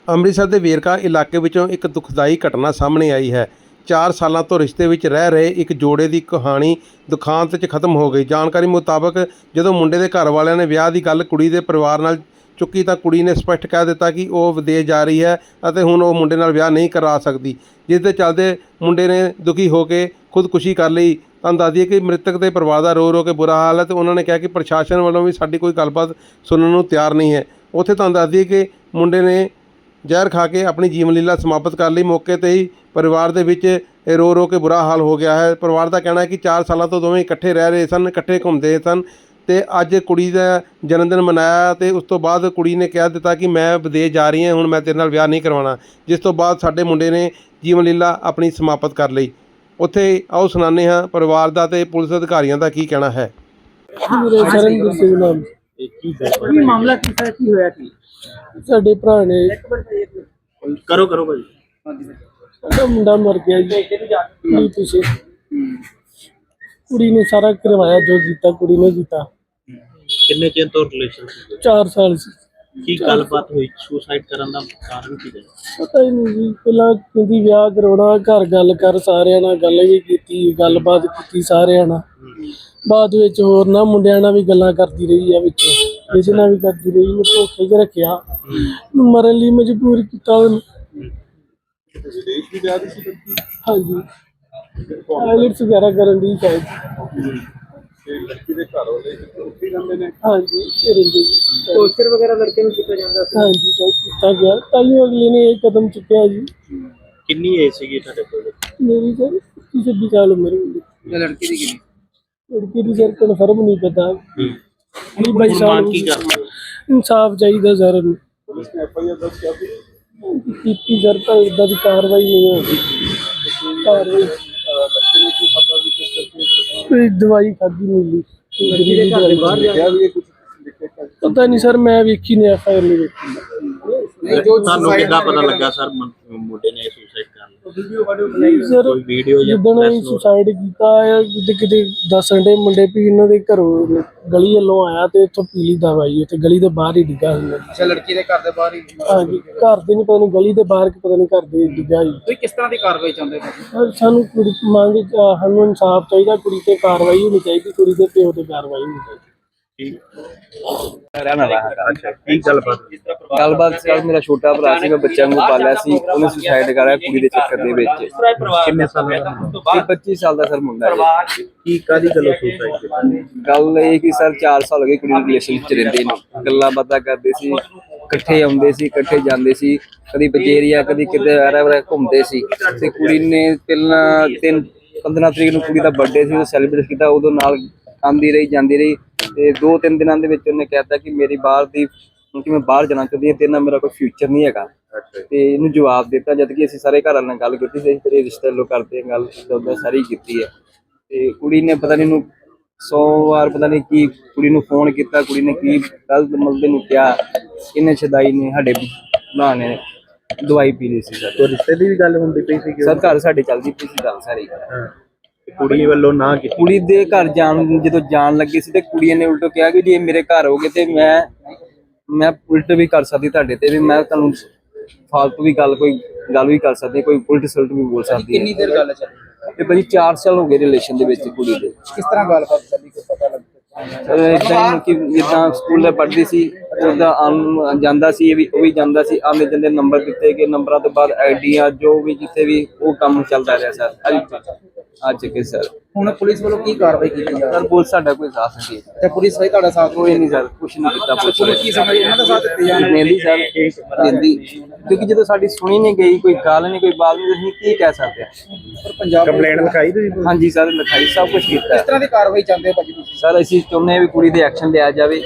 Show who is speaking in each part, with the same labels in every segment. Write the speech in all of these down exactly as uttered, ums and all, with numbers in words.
Speaker 1: ਅੰਮ੍ਰਿਤਸਰ ਦੇ ਵੇਰਕਾ ਇਲਾਕੇ ਵਿੱਚੋਂ ਇੱਕ ਦੁਖਦਾਈ ਘਟਨਾ ਸਾਹਮਣੇ ਆਈ ਹੈ। ਚਾਰ ਸਾਲਾਂ ਤੋਂ ਰਿਸ਼ਤੇ ਵਿੱਚ ਰਹਿ ਰਹੇ ਇੱਕ ਜੋੜੇ ਦੀ ਕਹਾਣੀ ਦੁਖਾਂਤ 'ਚ ਖਤਮ ਹੋ ਗਈ। ਜਾਣਕਾਰੀ ਮੁਤਾਬਕ ਜਦੋਂ ਮੁੰਡੇ ਦੇ ਘਰ ਵਾਲਿਆਂ ਨੇ ਵਿਆਹ ਦੀ ਗੱਲ ਕੁੜੀ ਦੇ ਪਰਿਵਾਰ ਨਾਲ ਚੁੱਕੀ ਤਾਂ ਕੁੜੀ ਨੇ ਸਪਸ਼ਟ ਕਹਿ ਦਿੱਤਾ ਕਿ ਉਹ ਵਿਦੇਸ਼ ਜਾ ਰਹੀ ਹੈ ਅਤੇ ਹੁਣ ਉਹ ਮੁੰਡੇ ਨਾਲ ਵਿਆਹ ਨਹੀਂ ਕਰਾ ਸਕਦੀ, ਜਿਸ ਦੇ ਚੱਲਦੇ ਮੁੰਡੇ ਨੇ ਦੁਖੀ ਹੋ ਕੇ ਖੁਦਕੁਸ਼ੀ ਕਰ ਲਈ। ਤੁਹਾਨੂੰ ਦੱਸ ਦਈਏ ਕਿ ਮ੍ਰਿਤਕ ਦੇ ਪਰਿਵਾਰ ਦਾ ਰੋ ਰੋ ਕੇ ਬੁਰਾ ਹਾਲ ਹੈ ਅਤੇ ਉਹਨਾਂ ਨੇ ਕਿਹਾ ਕਿ ਪ੍ਰਸ਼ਾਸਨ ਵੱਲੋਂ ਵੀ ਸਾਡੀ ਕੋਈ ਗੱਲਬਾਤ ਸੁਣਨ ਨੂੰ ਤਿਆਰ ਨਹੀਂ ਹੈ। ਉੱਥੇ ਤੁਹਾਨੂੰ ਦੱਸ ਦਈਏ ਕਿ ਮੁੰਡੇ ਨੇ ਜ਼ਹਿਰ ਖਾ ਕੇ ਆਪਣੀ ਜੀਵਨ ਲੀਲਾ ਸਮਾਪਤ ਕਰ ਲਈ। ਮੌਕੇ 'ਤੇ ਹੀ ਪਰਿਵਾਰ ਦੇ ਵਿੱਚ ਰੋ ਰੋ ਕੇ ਬੁਰਾ ਹਾਲ ਹੋ ਗਿਆ ਹੈ। ਪਰਿਵਾਰ ਦਾ ਕਹਿਣਾ ਹੈ ਕਿ ਚਾਰ ਸਾਲਾਂ ਤੋਂ ਦੋਵੇਂ ਇਕੱਠੇ ਰਹਿ ਰਹੇ ਸਨ, ਇਕੱਠੇ ਘੁੰਮਦੇ ਸਨ ਅਤੇ ਅੱਜ ਕੁੜੀ ਦਾ ਜਨਮ ਦਿਨ ਮਨਾਇਆ ਅਤੇ ਉਸ ਤੋਂ ਬਾਅਦ ਕੁੜੀ ਨੇ ਕਹਿ ਦਿੱਤਾ ਕਿ ਮੈਂ ਵਿਦੇਸ਼ ਜਾ ਰਹੀ ਹਾਂ, ਹੁਣ ਮੈਂ ਤੇਰੇ ਨਾਲ ਵਿਆਹ ਨਹੀਂ ਕਰਵਾਉਣਾ, ਜਿਸ ਤੋਂ ਬਾਅਦ ਸਾਡੇ ਮੁੰਡੇ ਨੇ ਜੀਵਨ ਲੀਲਾ ਆਪਣੀ ਸਮਾਪਤ ਕਰ ਲਈ। ਉੱਥੇ ਆਓ ਸੁਣਾਉਂਦੇ ਹਾਂ ਪਰਿਵਾਰ ਦਾ ਅਤੇ ਪੁਲਿਸ ਅਧਿਕਾਰੀਆਂ ਦਾ ਕੀ ਕਹਿਣਾ ਹੈ।
Speaker 2: ਕੀ ਮਾਮਲਾ ਕੀ ਹੈ, ਕੀ ਹੋਇਆ ਕੀ?
Speaker 3: ਸਾਡੇ ਭਰਾ ਨੇ
Speaker 2: ਕਰੋ ਕਰੋ ਭਾਈ।
Speaker 3: ਸਾਡਾ ਮੁੰਡਾ ਮਰ ਗਿਆ ਜੀ ਨਹੀਂ ਪਿੱਛੇ। ਕੁੜੀ ਨੇ ਸਾਰਾ ਕਰਵਾਇਆ, ਜੋ ਕੀਤਾ ਕੁੜੀ ਨੇ ਕੀਤਾ।
Speaker 2: ਕਿੰਨੇ ਚਿਰ ਤੋਂ ਰਿਲੇਸ਼ਨ ਸੀ?
Speaker 3: ਚਾਰ ਸਾਲ ਸੀ।
Speaker 2: ਕੀ ਗੱਲਬਾਤ ਹੋਈ? ਸੁਸਾਈਡ ਕਰਨ ਦਾ ਕਾਰਨ ਕੀ ਹੈ?
Speaker 3: ਪਤਾ ਹੀ ਨਹੀਂ ਜੀ। ਪਹਿਲਾਂ ਕਹਿੰਦੀ ਵਿਆਹ ਕਰਾਉਣਾ, ਘਰ ਗੱਲ ਕਰ, ਸਾਰਿਆਂ ਨਾਲ ਗੱਲ ਵੀ ਕੀਤੀ, ਗੱਲਬਾਤ ਕੀਤੀ ਸਾਰਿਆਂ ਨਾਲ। ਬਾਅਦ ਵਿੱਚ ਹੋਰ ਨਾ ਮੁੰਡਿਆਂ ਨਾਲ ਵੀ ਗੱਲਾਂ ਕਰਦੀ ਰਹੀ ਆ, ਵਿੱਚ ਕਿਸੇ ਨਾਲ ਵੀ ਕਰਦੀ ਰਹੀ। ਮੈਂ ਧੋਖੇ 'ਚ ਰੱਖਿਆ, ਮਰਨ ਲਈ ਮਜਬੂਰ ਕੀਤਾ ਉਹਨੂੰ। ਹਾਂਜੀ, ਆਈਲੈਟਸ ਵਗੈਰਾ ਕਰਨ ਦੀ ਸ਼ਾਇਦ। ਹਾਂਜੀ,
Speaker 2: ਟੌਰਚਰ ਵਗੈਰਾ ਲੜਕੇ ਨੂੰ ਕੀਤਾ ਜਾਂਦਾ ਸੀ?
Speaker 3: ਹਾਂਜੀ ਕੀਤਾ ਗਿਆ, ਤਾਈਓ ਅਗਲੇ ਨੇ ਇਹ ਕਦਮ ਚੁੱਕਿਆ ਜੀ।
Speaker 2: ਕਿੰਨੀ ਏਜ ਸੀਗੀ ਤੁਹਾਡੇ ਕੋਲ?
Speaker 3: ਮੇਰੀ ਸਰ ਪੱਚੀ ਛੱਬੀ ਸਾਲ ਉਮਰ ਹੁੰਦੀ।
Speaker 2: ਲੜਕੀ ਦੀ ਕਿੰਨੀ?
Speaker 3: ਲੜਕੀ ਦੀ ਸਰ ਕਨਫਰਮ ਨਹੀਂ ਪਤਾ। ਵੀਹ ਬਾਈ
Speaker 2: ਹੁਣ
Speaker 3: ਸਾਲ
Speaker 2: ਮੰਗ ਕੀ ਕਰਦੇ ਹੋ?
Speaker 3: ਇਨਸਾਫ ਚਾਹੀਦਾ ਸਰ ਨੂੰ। ਕੀਤੀ ਸਰ ਤਾਂ ਇੱਦਾਂ ਦੀ ਕਾਰਵਾਈ ਨਹੀਂ ਹੋਈ। ਕਾਰਵਾਈ ਕੋਈ ਦਵਾਈ ਖਾਧੀ ਮਿਲੀ ਪਤਾ ਨਹੀਂ ਸਰ, ਮੈਂ ਵੇਖੀ ਨਹੀਂ ਐਫ ਆਈ ਆਰ ਨਹੀਂ ਵੇਖੀ।
Speaker 2: ਤੁਹਾਨੂੰ ਕਿੱਦਾਂ ਪਤਾ ਲੱਗਾ ਸਰ ਮੁੰਡੇ ਨੇ ਸੁਸਾਈਡ ਕਰ ਲਿਆ?
Speaker 3: ਸਰ
Speaker 2: ਕੋਈ ਵੀਡੀਓ ਜਾਂ
Speaker 3: ਜਿੱਦਣ ਅਸੀਂ ਸੁਸਾਈਡ ਕੀਤਾ ਹੈ, ਕਿਤੇ ਕਿਤੇ ਦੱਸਣ ਦੇ ਮੁੰਡੇ ਵੀ ਇਹਨਾਂ ਦੇ ਘਰੋਂ ਗਲੀ ਵੱਲੋਂ ਆਇਆ ਤੇ ਇੱਥੋਂ ਪੀਲੀ ਦਵਾਈ ਉੱਥੇ ਗਲੀ ਦੇ ਬਾਹਰ ਹੀ ਡਿੱਗਾ ਹੁੰਦਾ।
Speaker 2: ਅੱਛਾ, ਲੜਕੀ ਦੇ ਘਰ ਦੇ ਬਾਹਰ ਹੀ?
Speaker 3: ਹਾਂਜੀ, ਘਰ ਦੇ ਨਹੀਂ ਪਤਾ ਨਹੀਂ ਗਲੀ ਦੇ ਬਾਹਰ ਕਿ ਪਤਾ ਨਹੀਂ ਘਰ ਦੇ ਡਿੱਗਾ ਜੀ।
Speaker 2: ਤੁਸੀਂ ਕਿਸ ਤਰ੍ਹਾਂ ਦੀ ਕਾਰਵਾਈ ਚਾਹੁੰਦੇ ਹੋ?
Speaker 3: ਸਾਨੂੰ ਕੁੜੀ ਮੰਗ ਸਾਨੂੰ ਇਨਸਾਫ ਚਾਹੀਦਾ, ਕੁੜੀ ਤੇ ਕਾਰਵਾਈ ਹੋਣੀ ਚਾਹੀਦੀ, ਕੁੜੀ ਦੇ ਪਿਓ ਤੇ ਕਾਰਵਾਈ ਹੋਣੀ ਚਾਹੀਦੀ।
Speaker 2: ਅੱਛਾ, ਕੀ ਗੱਲਬਾਤ?
Speaker 4: ਗੱਲਬਾਤ ਸਰ, ਮੇਰਾ ਛੋਟਾ ਭਰਾ ਸੀ, ਮੈਂ ਬੱਚਿਆਂ ਨੂੰ ਪਾਲਿਆ ਸੀ, ਉਹਨੇ ਸੁਸਾਈਡ ਕਰਾਇਆ ਕੁੜੀ ਦੇ ਚੱਕਰ ਦੇ ਵਿੱਚ।
Speaker 2: ਕਿੰਨੇ ਸਾਲ ਦਾ?
Speaker 4: ਪੱਚੀ ਸਾਲ ਦਾ ਸਰ ਮੁੰਡਾ ਹੈ।
Speaker 2: ਕੀ ਕਾਦੀ ਗੱਲੋਂ ਸੁਸਾਈਡ ਕੀਤੀ?
Speaker 4: ਗੱਲ ਇਹ ਕਿ ਸਰ ਚਾਰ ਸਾਲ ਹੋ ਗਏ ਕੁੜੀ ਨੂੰ ਰਿਲੇਸ਼ਨ ਵਿੱਚ ਰਹਿੰਦੇ ਨੇ, ਗੱਲਾਂ ਬਾਤਾਂ ਕਰਦੇ ਸੀ, ਇਕੱਠੇ ਆਉਂਦੇ ਸੀ, ਇਕੱਠੇ ਜਾਂਦੇ ਸੀ, ਕਦੀ ਬਜੇਰੀਆ ਕਦੀ ਕਿਤੇ ਵਾਰਾ ਵਾਰਾ ਘੁੰਮਦੇ ਸੀ। ਤੇ ਕੁੜੀ ਨੇ ਪਹਿਲਾਂ ਤਿੰਨ ਪੰਦਰਾਂ ਤਰੀਕ ਨੂੰ ਕੁੜੀ ਦਾ ਬਰਥਡੇ ਸੀ, ਉਹ ਸੈਲੀਬ੍ਰੇਟ ਕੀਤਾ, ਉਦੋਂ ਨਾਲ ਆਉਂਦੀ ਰਹੀ ਜਾਂਦੀ ਰਹੀ। ਤੇ ਦੋ ਤਿੰਨ ਦਿਨਾਂ ਦੇ ਵਿੱਚ ਉਹਨੇ ਕਹਿਤਾ ਕਿ ਮੇਰੀ ਬਾਹਰ ਦੀ ਕਿ ਮੈਂ ਬਾਹਰ ਜਾਣਾ ਚਾਹੁੰਦੀ ਹਾਂ, ਤੇਰੇ ਨਾਲ ਮੇਰਾ ਕੋਈ ਫਿਊਚਰ ਨਹੀਂ ਹੈਗਾ। ਤੇ ਇਹਨੂੰ ਜਵਾਬ ਦਿੱਤਾ, ਜਦ ਕਿ ਅਸੀਂ ਸਾਰੇ ਘਰ ਵਾਲਿਆਂ ਨਾਲ ਗੱਲ ਕੀਤੀ ਸੀ, ਤੇਰੇ ਰਿਸ਼ਤੇ ਵੱਲੋਂ ਕਰਦੇ ਹਾਂ ਗੱਲ, ਉੱਦਾਂ ਸਾਰੀ ਕੀਤੀ ਹੈ। ਤੇ ਕੁੜੀ ਨੇ ਪਤਾ ਨਹੀਂ ਇਹਨੂੰ ਸੌ ਵਾਰ ਪਤਾ ਨਹੀਂ ਕੀ ਕੁੜੀ ਨੂੰ ਫੋਨ ਕੀਤਾ, ਕੁੜੀ ਨੇ ਕੀ ਗਲਤ ਮਲਦੇ ਨੂੰ ਕਿਹਾ। ਇਹਨੇ ਸ਼ਦਾਈ ਨੇ ਸਾਡੇ ਭਰਾ ਨੇ ਦਵਾਈ ਪੀ ਲਈ ਸੀ ਸਰ।
Speaker 2: ਰਿਸ਼ਤੇ ਦੀ ਵੀ ਗੱਲ ਹੁੰਦੀ ਪਈ ਸੀ?
Speaker 4: ਸਰ ਘਰ ਸਾਡੇ ਚੱਲਦੀ ਪਈ ਸੀ ਗੱਲ ਸਾਰੀ।
Speaker 2: ਕੁੜੀ ਵੱਲੋਂ ਨਾ ਕੀਤੀ?
Speaker 4: ਕੁੜੀ ਦੇ ਘਰ ਜਾਣ ਜਦੋਂ ਜਾਣ ਲੱਗੀ ਸੀ ਤੇ ਕੁੜੀ ਨੇ ਉਲਟੋ ਕਿਹਾ ਕਿ ਜੇ ਮੇਰੇ ਘਰ ਹੋਗੇ ਤੇ ਮੈਂ ਮੈਂ ਉਲਟ ਵੀ ਕਰ ਸਕਦੀ ਤੁਹਾਡੇ ਤੇ, ਵੀ ਮੈਂ ਤੁਹਾਨੂੰ ਫਾਲਤੂ ਵੀ ਗੱਲ ਕੋਈ ਗੱਲ ਵੀ ਕਰ ਸਕਦੀ, ਕੋਈ ਉਲਟ ਸਲਟ ਵੀ ਬੋਲ ਸਕਦੀ।
Speaker 2: ਕਿੰਨੀ ਦੇਰ ਗੱਲ ਚੱਲੀ?
Speaker 4: ਤੇ ਭਾਜੀ ਚਾਰ ਸਾਲ ਹੋ ਗਏ ਰਿਲੇਸ਼ਨ ਦੇ ਵਿੱਚ ਕੁੜੀ ਦੇ।
Speaker 2: ਕਿਸ ਤਰ੍ਹਾਂ ਗੱਲਬਾਤ ਚੱਲੀ, ਕੋਈ ਪਤਾ ਲੱਗਾ?
Speaker 4: ਇਦਾਂ ਕਿ ਜਿੱਦਾਂ ਸਕੂਲੇ ਪੜ੍ਹਦੀ ਸੀ, ਉਹਦਾ ਆਮ ਜਾਂਦਾ ਸੀ, ਇਹ ਵੀ ਉਹ ਵੀ ਜਾਂਦਾ ਸੀ, ਆਉਂਦੇ ਜਾਂਦੇ ਨੰਬਰ ਦਿੱਤੇ ਗਏ, ਨੰਬਰਾਂ ਤੋਂ ਬਾਅਦ ਆਈਡੀਆਂ ਜੋ ਵੀ ਜਿੱਥੇ ਵੀ ਉਹ ਕੰਮ ਚੱਲਦਾ ਰਿਹਾ ਸਰ ਅੱਜ ਕੇ ਸਰ।
Speaker 2: ਹੁਣ ਪੁਲਿਸ ਵੱਲੋਂ ਕੀ ਕਾਰਵਾਈ ਕੀਤੀ ਜਾ ਰਹੀ
Speaker 4: ਸਰ ਪੁਲਿਸ ਸਾਡਾ ਕੋਈ ਸਾਥ ਨਹੀਂ ਦੇ
Speaker 2: ਤੇ ਪੁਲਿਸ ਵੀ ਤੁਹਾਡਾ ਸਾਥ
Speaker 4: ਕੋਈ ਨਹੀਂ ਸਰ, ਕੁਛ ਨਹੀਂ ਕੀਤਾ
Speaker 2: ਪੁਲਿਸ ਕੀ ਸਮਝ ਇਹਨਾਂ ਦਾ ਸਾਥ ਦਿੱਤੀ ਜਾ ਰਹੀ
Speaker 4: ਦਿੰਦੀ ਸਰ ਦਿੰਦੀ, ਕਿਉਂਕਿ ਜਦੋਂ ਸਾਡੀ ਸੁਣੀ ਨਹੀਂ ਗਈ, ਕੋਈ ਗੱਲ ਨਹੀਂ, ਕੋਈ ਬਾਤ ਨਹੀਂ, ਅਸੀਂ ਕੀ ਕਹਿ ਸਕਦੇ ਹਾਂ।
Speaker 2: ਪਰ ਪੰਜਾਬ ਕੰਪਲੇਂਟ ਲਿਖਾਈ ਤੁਸੀਂ?
Speaker 4: ਹਾਂਜੀ ਸਰ ਲਿਖਾਈ, ਸਭ ਕੁਛ ਕੀਤਾ।
Speaker 2: ਕਿਸ ਤਰ੍ਹਾਂ ਦੀ ਕਾਰਵਾਈ ਚਾਹੁੰਦੇ ਹੋ ਭਾਜੀ ਤੁਸੀਂ?
Speaker 4: ਸਰ ਅਸੀਂ ਚਾਹੁੰਦੇ ਹਾਂ ਵੀ ਕੁੜੀ ਦੇ ਐਕਸ਼ਨ ਲਿਆ ਜਾਵੇ,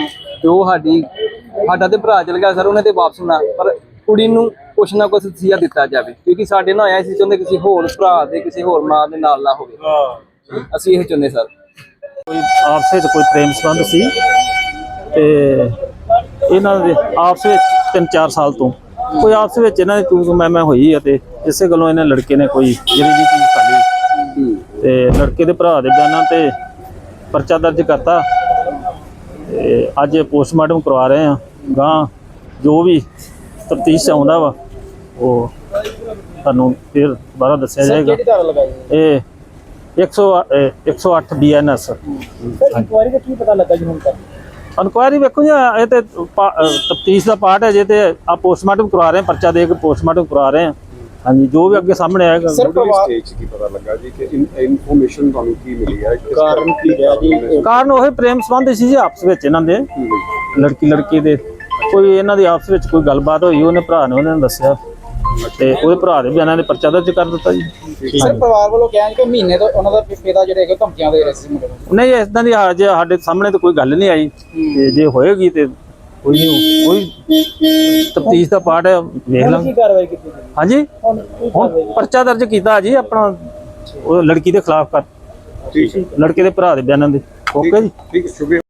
Speaker 4: ਤੇ ਉਹ ਸਾਡੀ ਸਾਡਾ ਤੇ ਭਰਾ ਚਲ ਗਿਆ ਸਰ, ਉਹਨੇ ਤੇ ਵਾਪਸ ਨਾ, ਪਰ ਕੁੜੀ ਨੂੰ ਕੁਛ ਨਾ ਕੁਛ ਤਸੀਹਾ ਦਿੱਤਾ ਜਾਵੇ, ਕਿਉਂਕਿ ਸਾਡੇ ਨਾਲ ਆਇਆ ਸੀ, ਚਾਹੁੰਦੇ ਕਿਸੇ ਹੋਰ ਭਰਾ ਦੇ ਕਿਸੇ ਹੋਰ ਮਾਂ ਦੇ ਨਾਲ ਨਾ ਹੋਵੇ, ਅਸੀਂ ਇਹ ਚਾਹੁੰਦੇ ਸਰ।
Speaker 5: ਕੋਈ ਆਪਸ ਵਿੱਚ ਕੋਈ ਪ੍ਰੇਮ ਸੰਬੰਧ ਸੀ ਤੇ ਇਹਨਾਂ ਦੇ ਆਪਸ ਵਿੱਚ ਤਿੰਨ ਚਾਰ ਸਾਲ ਤੋਂ ਕੋਈ ਆਪਸ ਵਿੱਚ ਇਹਨਾਂ ਦੀ ਤੂੰ ਤੂੰ ਮੈਂ ਮੈਂ ਹੋਈ ਹੈ, ਤੇ ਇਸੇ ਗੱਲੋਂ ਇਹਨਾਂ ਲੜਕੇ ਨੇ ਕੋਈ ਜਿਹੜੀ ਜੀ ਚੀਜ਼ ਕਰ ਲਈ ਤੇ ਲੜਕੇ ਦੇ ਭਰਾ ਦੇ ਬਿਆਨਾਂ ਤੇ ਪਰਚਾ ਦਰਜ ਕਰਤਾ ਤੇ ਅੱਜ ਪੋਸਟਮਾਰਟਮ ਕਰਵਾ ਰਹੇ ਹਾਂ। ਗਾਂ ਜੋ ਵੀ ਤਫਤੀਸ਼ 'ਚ ਆਉਂਦਾ ਵਾ ਉਹ ਤੁਹਾਨੂੰ ਫਿਰ ਦੁਬਾਰਾ ਦੱਸਿਆ ਜਾਏਗਾ। ਇਹ ਇੱਕ ਸੌ ਅੱਠ ਬੀ ਐਨ ਐਸ
Speaker 3: ਇਨਕੁਆਇਰੀ ਦਾ ਕੀ ਪਤਾ ਲੱਗਾ ਜੀ ਹੁਣ ਤੱਕ?
Speaker 5: ਇਨਕੁਆਇਰੀ ਵੇਖੋ ਜੀ, ਇਹ ਤੇ ਤਫਤੀਸ਼ ਦਾ ਪਾਰਟ ਹੈ ਜੇ, ਤੇ ਆ ਪੋਸਟਮਾਰਟਮ ਕਰਵਾ ਰਹੇ ਹਾਂ, ਪਰਚਾ ਦੇ ਕੇ ਪੋਸਟਮਾਰਟਮ ਕਰਵਾ ਰਹੇ ਹਾਂ। ਹਾਂਜੀ, ਜੋ ਵੀ ਅੱਗੇ ਸਾਹਮਣੇ ਆਏਗਾ।
Speaker 6: ਸਟੇਜ ਕੀ ਪਤਾ ਲੱਗਾ ਜੀ ਕਿ ਇਨਫੋਰਮੇਸ਼ਨ ਤੁਹਾਨੂੰ ਕੀ ਮਿਲੀ ਹੈ, ਕਾਰਨ ਕੀ ਰਿਹਾ ਜੀ?
Speaker 5: ਕਾਰਨ ਉਹ ਪ੍ਰੇਮ ਸੰਬੰਧ ਸੀ ਜੀ ਆਪਸ ਵਿੱਚ ਇਹਨਾਂ ਦੇ, ਲੜਕੀ ਲੜਕੀ ਦੇ ਕੋਈ ਇਹਨਾਂ ਦੀ ਆਪਸ ਵਿੱਚ ਕੋਈ ਗੱਲਬਾਤ ਹੋਈ, ਉਹਨੇ ਭਰਾ ਨੇ ਉਹਨਾਂ ਨੂੰ ਦੱਸਿਆ ਤੇ ਉਹਦੇ ਭਰਾ ਦੇ ਬਿਆਨਾਂ ਦੇ ਪਰਚਾ ਦਰਜ ਕਰ ਦਿੱਤਾ ਜੀ।
Speaker 7: ਸਰ ਪਰਿਵਾਰ ਵੱਲੋਂ ਕਿਹਾ ਕਿ ਮਹੀਨੇ ਤੋਂ ਉਹਨਾਂ ਦਾ ਪਿਤਾ ਜਿਹੜੇ ਹੈਗੇ ਧਮਕੀਆਂ ਦੇ ਰਹੇ ਸੀ ਮੁੰਡੇ ਨੂੰ।
Speaker 5: ਨਹੀਂ, ਇਦਾਂ ਦੀ ਜੇ ਸਾਡੇ ਸਾਹਮਣੇ ਤਾਂ ਕੋਈ ਗੱਲ ਨਹੀਂ ਆਈ, ਤੇ ਜੇ ਹੋਏਗੀ ਤੇ ਕੋਈ ਨਹੀਂ, ਕੋਈ ਤਫਤੀਸ਼ ਦਾ ਪਾਰਟ ਹੈ, ਵੇਖ ਲਾਂਗੇ।
Speaker 3: ਕਾਰਵਾਈ ਕੀਤੀ
Speaker 5: ਹਾਂਜੀ, ਹੁਣ ਪਰਚਾ ਦਰਜ ਕੀਤਾ ਜੀ ਆਪਣਾ ਉਹ ਲੜਕੀ ਦੇ ਖਿਲਾਫ ਕਰ, ਲੜਕੇ ਦੇ ਭਰਾ ਦੇ ਬਿਆਨਾਂ ਦੇ। ਓਕੇ ਜੀ,
Speaker 6: ਠੀਕ ਹੈ, ਸ਼ੁਕਰੀਆ।